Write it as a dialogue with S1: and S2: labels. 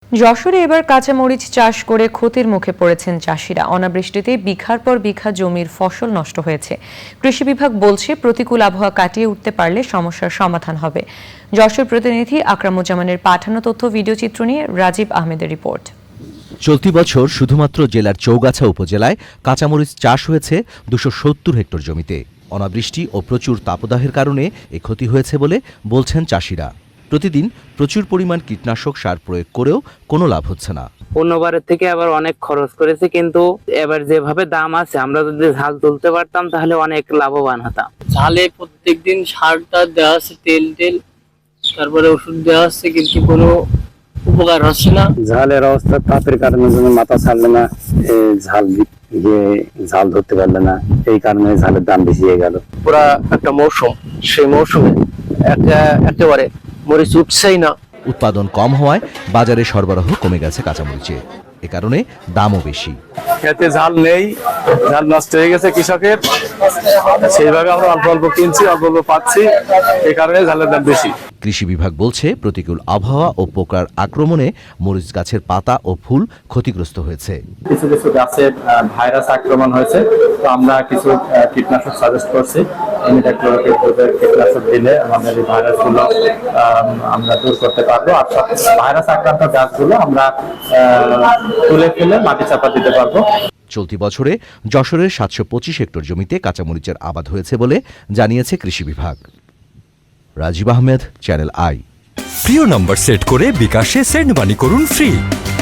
S1: যশোরে এবার কাঁচামরিচ চাষ করে ক্ষতির মুখে পড়েছেন চাষিরা। অনাবৃষ্টিতে বিঘার পর বিঘা জমির ফসল নষ্ট হয়েছে। কৃষি বিভাগ বলছে প্রতিকূল আবহাওয়া কাটিয়ে উঠতে পারলে সমস্যার সমাধান হবে। যশোর প্রতিনিধি আকরামুজ্জামানের পাঠানো তথ্য ভিডিও চিত্র নিয়ে রাজীব আহমেদের রিপোর্ট।
S2: চলতি বছর শুধুমাত্র জেলার চৌগাছা উপজেলায় কাঁচামরিচ চাষ হয়েছে 270 হেক্টর জমিতে। অনাবৃষ্টি ও প্রচুর তাপদাহের কারণে এ ক্ষতি হয়েছে বলে বলছেন চাষিরা। প্রতিদিন প্রচুর পরিমাণ কীটনাশক সার প্রয়োগ করেও কোনো লাভ হচ্ছে না।
S3: অন্যবারের থেকে আবার অনেক খরচ করেছে, কিন্তু এবার যেভাবে দাম আছে আমরা যদি ঝাল তুলতে পারতাম তাহলে অনেক লাভবান হতাম।
S4: ঝালে প্রত্যেকদিন সারটা দেওয়া আছে, তেল তারপরে ওষুধ দেওয়া হচ্ছে, কিন্তু কোনো উপকার হচ্ছে না।
S5: ঝালের অবস্থা তাপের কারণে মাথা ছাড়লে না, ঝাল ধরতে পারলে না, এই কারণে ঝালের দাম বেশি হয়ে গেল।
S6: পুরা একটা মৌসুম, সেই মৌসুমে একেবারে মরিচ উঠছেই না।
S2: উৎপাদন কম হওয়ায় বাজারে সরবরাহ কমে গেছে কাঁচামরিচের। এ কারণে দামও বেশি।
S7: খেতে ঝাল নেই, ঝাল নষ্ট হয়ে গেছে কৃষকের, সেইভাবে আমরা অল্প অল্প কিনছি, অল্প অল্প পাচ্ছি, এই কারণে ঝালের দাম বেশি।
S2: কৃষি বিভাগ বলছে প্রতিকূল আবহাওয়া ও পোকার আক্রমণে মরিচ গাছের পাতা ও ফুল ক্ষতিগ্রস্ত হয়েছে।
S8: কিছু কিছু গাছে ভাইরাস আক্রমণ হয়েছে, তো আমরা কিছু কীটনাশক সাজেস্ট করছি। ইমিডাক্লোরোপিড গ্রুপের কীটনাশক দিলে আমাদের এই ভাইরাসগুলো আমরা দূর করতে পারবো। আর ভাইরাস আক্রান্ত গাছগুলো আমরা তুলে ফেলে মাটি চাপা দিতে পারবো।
S2: চলতি বছরে যশোরের 725 হেক্টর জমিতে কাঁচামরিচের আবাদ হয়েছে বলে জানিয়েছে কৃষি বিভাগ। Rajib Ahmed, channel I.
S9: প্রিয় নম্বর সেট করে বিকাশে সেন্ড মানি করুন ফ্রি।